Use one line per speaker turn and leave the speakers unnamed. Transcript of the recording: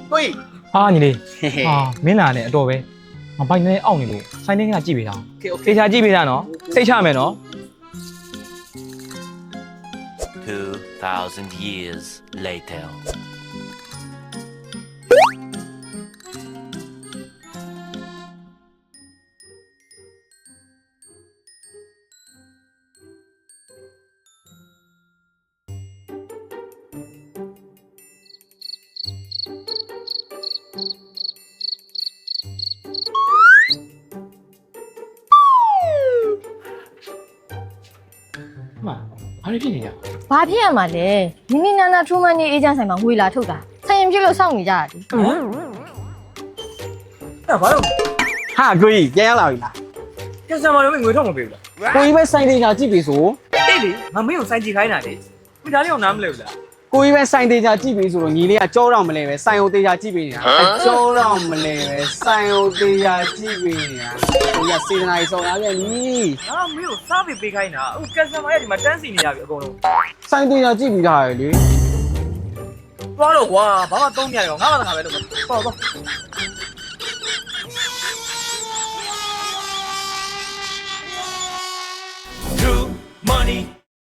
ကိုကြီး
ဟာညီလေးဟာမင်းလာနဲ့အတော်ပဲငါဘိုက်နဲ့အောက်နေလို့စိုင်းနေကကြည့်ပေးတာ
โอเคโอเค
သေချာကြည့်ပေးတာနော်စိတ်ချမယ်နော်
2,000 years later.
မှဘာလို့ဖြစ်နေကြ
ဘာဖြစ်ရမှာလဲနီနီနာနာထူမန်နေအေဂျင့်ဆိုင်မှာငွေလာထုတ်တာဆိုင်ရင်ပြလို့စောင့်နေကြရတယ်
အဲ့ဘာလို့
ဟာကိုကြီးပြန်ရောက်လာပြီလား
ကျန်စမာတွေငွေထုတ်မပေးဘူးလား
ကိုကြီးပဲစိုင်းသေးချာကြည့်ပြီဆို
တိတ်လေငါမင်းကိုစိုင်းကြည့်ခိုင်းတာလေမိသားလေးအောင်နားမလဲဘူးလား
ကိုကြီးပဲစိုင်းသေးချာကြည့်ပြီဆိုတော့ညီလေးကကြောတော့မလဲပဲစိုင်းအောင်သေးချာကြည့်ပြီနေတာကြောတော့မလဲပဲစိုင်းအောင်သေးချာကြည့်ပြီနေတာကိုကြီးကစေတနာကြီးဆောင်ရပြန်ပြီ
ငါမင်းကိုစားပေးခိုင်းတာအခုကျန်စမာရဲ့ဒီမှာတန်းစီနေရပြီအကုန်လုံး
စိုင်းသေးချာကြည့်ပြီးသားရယ်လေ
သွားတော့ကွာဘာမှသုံးပြရတော့ငါမှသာငါပဲလုပ်မှာပေါ့